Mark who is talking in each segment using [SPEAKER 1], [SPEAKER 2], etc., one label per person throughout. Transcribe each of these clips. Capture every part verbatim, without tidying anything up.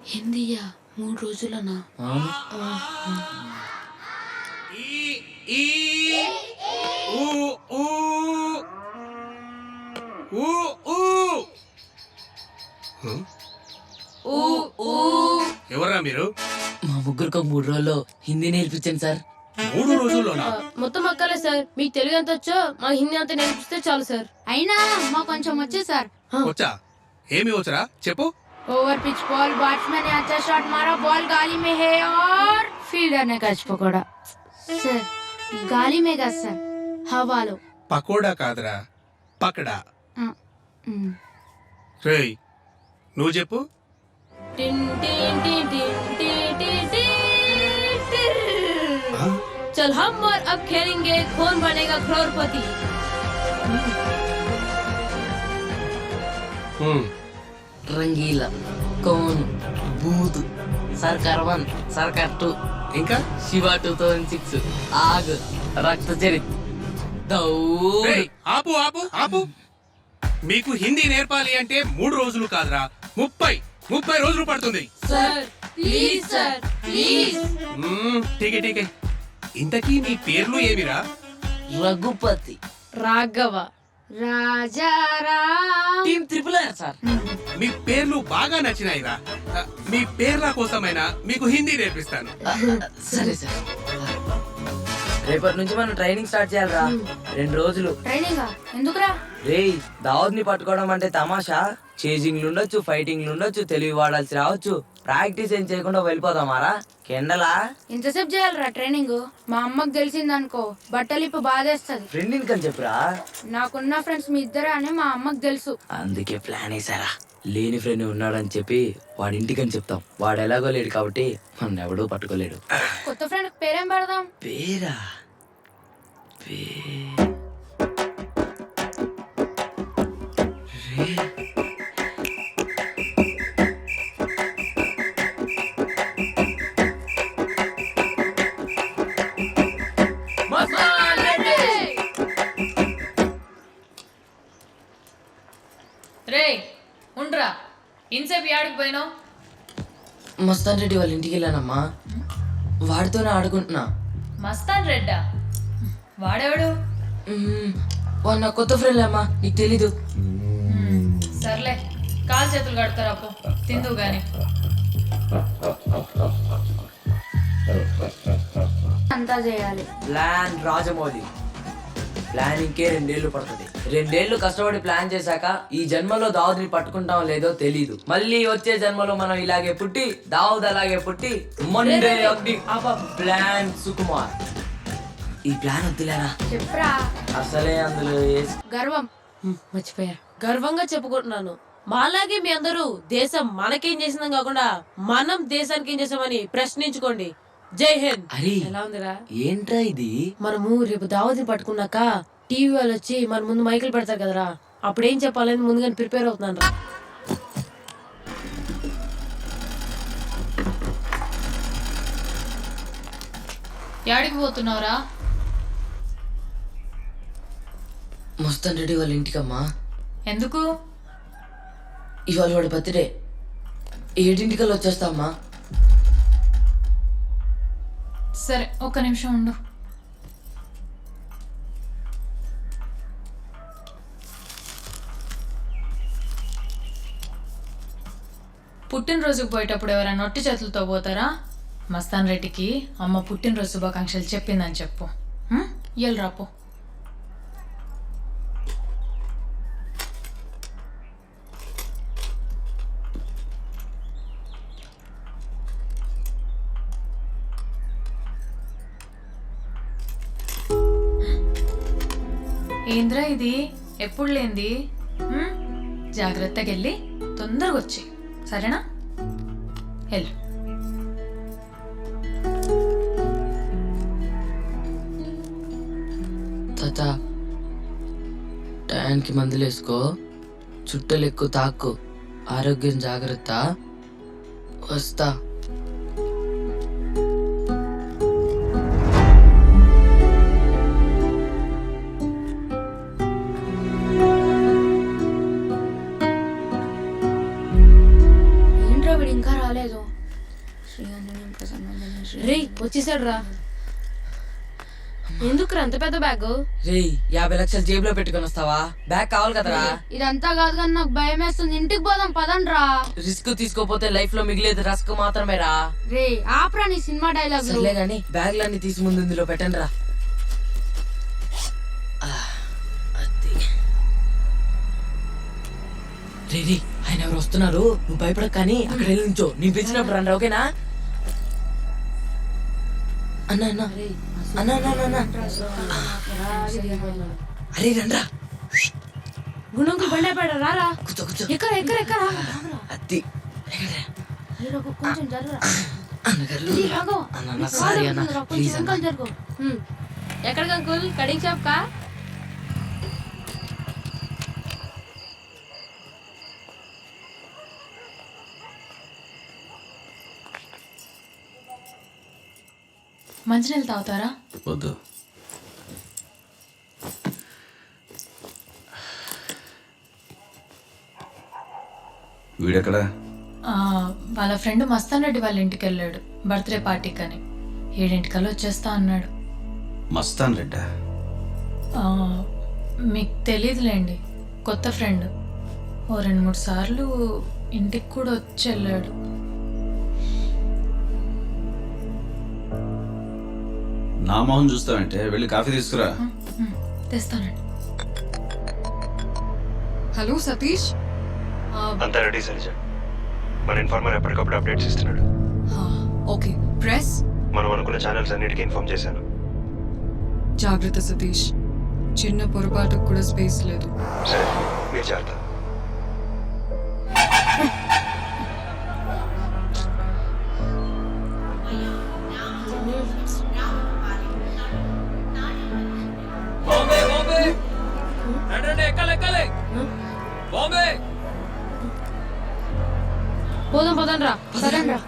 [SPEAKER 1] హిందీయా మూడు రోజులనా?
[SPEAKER 2] ఎవరా మీరు?
[SPEAKER 3] మా ముగ్గురికి ఒక మూడు రోజుల్లో హిందీ నేర్పించండి సార్.
[SPEAKER 2] మూడు రోజుల్లోనా?
[SPEAKER 1] మొత్తం అక్కలే సార్, మీకు తెలుగు ఎంత వచ్చో మా హిందీ అంతా నేర్పిస్తే చాలు సార్.
[SPEAKER 4] అయినా మా కొంచెం వచ్చే సార్.
[SPEAKER 2] వచ్చా? ఏమి వచ్చరా చెప్పు.
[SPEAKER 4] ओवर पिच बॉल, बैट्समैन ने अच्छा शॉट मारा, बॉल गाली में है और फील्डर ने कैच पकड़ा. सर गाली में का सर, हवालो.
[SPEAKER 2] పకోడా కాదురా, పకడా. రేయ్ నువ్వు చెప్పు.
[SPEAKER 1] టిన్ టిన్ టిన్ టిన్ టిన్ టిన్ టిన్ టిన్. चल हम और अब खेलेंगे कौन बनेगा करोड़पति.
[SPEAKER 3] రంగీలా, కౌన్, బూత్, సర్కార్ వన్, సర్కార్ టూ,
[SPEAKER 2] ఇంకా
[SPEAKER 3] శివ టూ థౌజండ్ సిక్స్, ఆగ్, రక్త చరిత్, దౌడ్.
[SPEAKER 2] రేయ్, ఆపు ఆపు ఆపు. మీకు హిందీ నేర్పాలి అంటే మూడు రోజులు కాదురా, ముప్పై ముప్పై రోజులు పడుతుంది.
[SPEAKER 1] Sir please sir please.
[SPEAKER 2] ఠీకే ఠీకే. ఇంతకీ మీ పేర్లు ఏమిరా?
[SPEAKER 3] Raghupati,
[SPEAKER 1] Raghava,
[SPEAKER 4] Rajaram.
[SPEAKER 3] Team triple R sir.
[SPEAKER 2] మీ పేర్లు బాగా నచ్చినాయిరా. మీ పేర్ల కోసమైనా మీకు హిందీ నేర్పిస్తాను.
[SPEAKER 3] సరే సార్. రేపటి నుంచి మనం ట్రైనింగ్ స్టార్ట్ చేయాలరా. రెండు రోజులు
[SPEAKER 4] ट्रेनिंग ఎందుకురా?
[SPEAKER 3] రేయ్, దావత్ ని పట్టుకోవడం అంటే తమాషా. చేజింగ్లు ఉండొచ్చు, ఫైటింగ్లు ఉండొచ్చు, తెలివి వాడాల్సి రావచ్చు. ప్రాక్టీస్ ఏం చేయకుండా వెళ్ళిపోదామారా కెండలా?
[SPEAKER 4] ఇంతసేపు చేయాలరా ట్రైనింగ్? మా అమ్మకి తెలిసిందనుకో బట్టలు ఇప్పు బాధేస్తుంది.
[SPEAKER 3] ఫ్రెండ్ ఇన్కని చెప్పురా.
[SPEAKER 4] నాకున్న ఫ్రెండ్స్ మీ ఇద్దరే అని మా అమ్మకి తెలుసు.
[SPEAKER 3] అందుకే ప్లాన్ వేసారా. లేని ఫ్రెండ్ ఉన్నాడని చెప్పి వాడి ఇంటికని చెప్తాం. వాడు ఎలాగో లేడు కాబట్టి మన ఎవడూ పట్టుకోలేడు.
[SPEAKER 4] కొత్త ఫ్రెండ్ పేరేం పెడదాం?
[SPEAKER 3] పేరా పే
[SPEAKER 5] రే ఉండ్రా, ఇన్సేపు యాడికి పోయినావు?
[SPEAKER 3] మస్తాన్ రెడ్డి వాళ్ళ ఇంటికి వెళ్ళానమ్మా. వాడితోనే ఆడుకుంటున్నా.
[SPEAKER 5] మస్తాన్ రెడ్డా? వాడెవడు?
[SPEAKER 3] మ్మ్, వాడు నా కొత్త ఫ్రెండ్ అమ్మా, నీకు తెలీదు.
[SPEAKER 5] సర్లే, కాలు చేతులు కడతారా పో, తిందు గాని.
[SPEAKER 4] అంతా చేయాలి.
[SPEAKER 3] ప్లాన్ రాజమౌళి. ప్లానింగ్కే రెండేళ్లు పడుతుంది. రెండేళ్లు కష్టపడి ప్లాన్ చేశాక ఈ జన్మలో దావుద్ని పట్టుకుంటాం లేదో తెలీదు. మళ్ళీ వచ్చే జన్మలో మనం ఇలాగే పుట్టి దావుద్ అలాగే పుట్టి మండే అగ్ని అప ప్లాన్ సుకుమార్. ఈ ప్లాన్ వద్దులేరా.
[SPEAKER 4] చెప్పరా.
[SPEAKER 3] అసలే అందులో వేసి
[SPEAKER 4] గర్వం.
[SPEAKER 1] మర్చిపోయా. గర్వంగా చెప్పుకుంటున్నాను, మాలాగే మీ అందరూ దేశం మనకేం చేసిందని కాకుండా మనం దేశానికి ఏం చేసామని ప్రశ్నించుకోండి. జై హింద్.
[SPEAKER 3] అరే
[SPEAKER 1] ఎలా ఉందిరా?
[SPEAKER 3] ఏంట్రా ఇది?
[SPEAKER 1] మనము రేపు దావతిని పట్టుకున్నాక టీవీ వాళ్ళు వచ్చి మన ముందు మైకులు పెడతారు కదరా, అప్పుడు ఏం చెప్పాలని ముందుగానే ప్రిపేర్ అవుతున్నాను రా.
[SPEAKER 5] యాడికి పోతున్నావురా?
[SPEAKER 3] మస్తాన్ రెడ్డి వాళ్ళ ఇంటికమ్మా.
[SPEAKER 5] ఎందుకు?
[SPEAKER 3] ఇవాళ వాడి బర్త్డే. ఏడింటికల్లా వచ్చేస్తామ్మా.
[SPEAKER 5] సరే, ఒక్క నిమిషం ఉండు. పుట్టినరోజుకు పోయేటప్పుడు ఎవరైనా నొట్టి చేతులతో పోతారా? మస్తాన్ రెడ్డికి అమ్మ పుట్టినరోజు శుభాకాంక్షలు చెప్పిందని చెప్పు. ఎల్ రాపో. ఏంద్రా ఇది ఎప్పుడు లేంది? జాగ్రత్తగా వెళ్ళి తొందరగా వచ్చి, సరేనా? వెళ్ళు.
[SPEAKER 3] తాత, టయానికి మందులు వేసుకో, చుట్టలు ఎక్కువ తాకు, ఆరోగ్యం జాగ్రత్త. వస్తా.
[SPEAKER 4] ఇంకా రాలేదు. శ్రీ ఆంజనేయం ప్రసన్నందన శ్రీ
[SPEAKER 1] రే వచ్చేసాడు రా. ఎందుకు అంత పెద్ద బ్యాగ్?
[SPEAKER 3] రేయ్ యాభై లక్షలు జేబులో పెట్టుకొని వస్తావా? బ్యాగ్ కావాలి కదరా.
[SPEAKER 4] ఇదంతా కాదు కానీ నాకు భయం వేస్తుంది. ఇంటికి పోదాం పదండి రా.
[SPEAKER 3] రిస్క్ తీసుకోపోతే లైఫ్ లో మిగిలేదు రస్క్ మాత్రమే రా.
[SPEAKER 4] రే ఆప్రా నీ సినిమా డైలాగ్.
[SPEAKER 3] సర్లే గాని బ్యాగ్లన్నీ తీసి ముందు ఇందులో పెట్టండి రా. రే రే ఆయన ఎవరు వస్తున్నారు, నువ్వు భయపడక కానీ అక్కడ వెళ్ళి నుంచో. నేను పిలిచినప్పుడు రండి ఓకేనా? అన్న అన్న అన్న అన్న అన్న అరే రండ్రా.
[SPEAKER 1] గుణంకులు బండి అయిపోయాడు రారా.
[SPEAKER 3] కూర్చో కూర్చో.
[SPEAKER 1] ఎక్కడ ఎక్కడ ఎక్కడ
[SPEAKER 3] అత్తి
[SPEAKER 4] కొంచెం జరగరా.
[SPEAKER 3] అన్నగారు అన్న అన్న సారీ అన్న ప్లీజ్ అన్న.
[SPEAKER 4] జరుగు.
[SPEAKER 1] ఎక్కడికి అంకుల్? కటింగ్ షాప్ కా?
[SPEAKER 5] మంచినీళ్ళు తాగుతారా?
[SPEAKER 6] వద్దు. వీడెక్కడా?
[SPEAKER 5] ఆ, వాళ్ళ ఫ్రెండ్ మస్తాన్ రెడ్డి వాళ్ళ ఇంటికి వెళ్ళాడు బర్త్డే పార్టీకి అని. ఏడింటికల్లా వచ్చేస్తా అన్నాడు.
[SPEAKER 6] మస్తాన్ రెడ్డా?
[SPEAKER 5] ఆ, మీకు తెలియదులేండి, కొత్త ఫ్రెండ్. ఓ రెండు మూడు సార్లు ఇంటికి కూడా వచ్చి వెళ్ళాడు.
[SPEAKER 6] నా మొహం చూస్తావంటే వెళ్ళి కాఫీ తీసుకురా.
[SPEAKER 5] ఉమ్, తెస్తానండి.
[SPEAKER 7] హలో సతీష్.
[SPEAKER 8] అంతా రెడీ సరిజ. మన ఇన్ఫార్మర్ ఎప్పటికప్పుడు అప్డేట్స్ ఇస్తున్నాడు.
[SPEAKER 7] ఓకే ప్రెస్
[SPEAKER 8] మనం అనుకున్న ఛానల్స్ అన్నిటికీ ఇన్ఫార్మ్ చేశాను.
[SPEAKER 7] జాగ్రత్త సతీష్, చిన్న పొరపాటుకు కూడా స్పేస్ లేదు.
[SPEAKER 8] సరే మీరు జాగ్రత్త.
[SPEAKER 1] పోదాం పదండి రా.
[SPEAKER 4] సరేండి రా.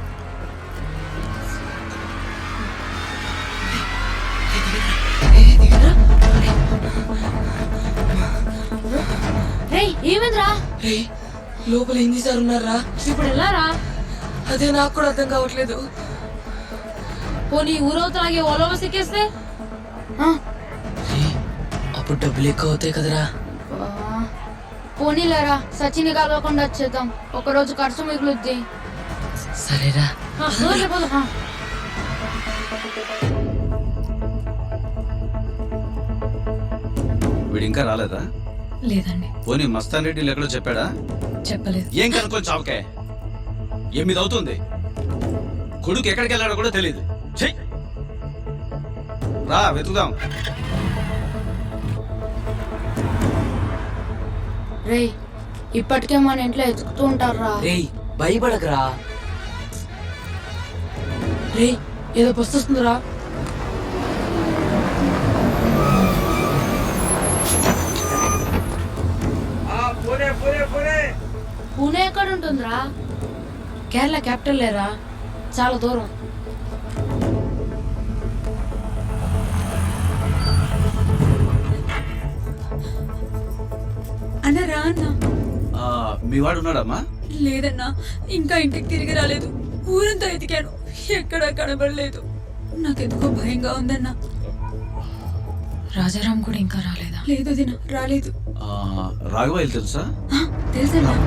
[SPEAKER 1] రే ఏమైందిరా?
[SPEAKER 3] రే లోపల ఎన్ని సార్ ఉన్నారా?
[SPEAKER 1] ఇప్పుడు వెళ్ళారా?
[SPEAKER 3] అదే నాకు కూడా అర్థం కావట్లేదు.
[SPEAKER 1] పోనీ ఊరవుతాగే ఓలో సిక్కేస్తే?
[SPEAKER 3] రే అప్పుడు డబ్బులు ఎక్కువ అవుతాయి కదరా.
[SPEAKER 4] పోనీలేరా, సచిన్ కలవకుండా వచ్చేద్దాం. ఒక రోజు ఖర్చు మిగులుద్ది.
[SPEAKER 3] సరేరా.
[SPEAKER 1] ఆ, పోదాంలే, పోదాం. ఆ.
[SPEAKER 6] వీడు ఇంకా రాలేదా?
[SPEAKER 5] లేదండి,
[SPEAKER 6] పోనీ మస్తాన్ రెడ్డి ఎక్కడో చెప్పాడా?
[SPEAKER 5] చెప్పలేదు.
[SPEAKER 6] ఏం కనుక్కొని చావకే. ఎనిమిది అవుతుంది, కొడుకు ఎక్కడికి వెళ్ళాడో కూడా తెలియదు. చెయ్ రా వెతుకుదాం.
[SPEAKER 4] రే ఇప్పటికే మన ఇంట్లో ఎతుకుతూ ఉంటారా.
[SPEAKER 3] రే భయపడకరా.
[SPEAKER 1] రే ఏదో బస్సు వస్తుందిరా.
[SPEAKER 4] పూణే ఎక్కడ ఉంటుందిరా?
[SPEAKER 1] కేరళ క్యాపిటల్ లేరా, చాలా దూరం.
[SPEAKER 7] అన్నరా అన్న.
[SPEAKER 6] ఆ, మీ వాడు ఉన్నాడమ్మా?
[SPEAKER 7] లేదన్నా, ఇంకా ఇంటికి తిరిగి రాలేదు. ఊరంతా ఎతికాను, ఎక్కడా కనబడలేదు. నాకెందుకో భయంగా ఉందన్నా.
[SPEAKER 5] రాజారాం కూడా ఇంకా రాలేదా?
[SPEAKER 7] లేదు దిన రాలేదు.
[SPEAKER 6] రాఘవయ్య తెలుసా?
[SPEAKER 7] తెలుసన్నా.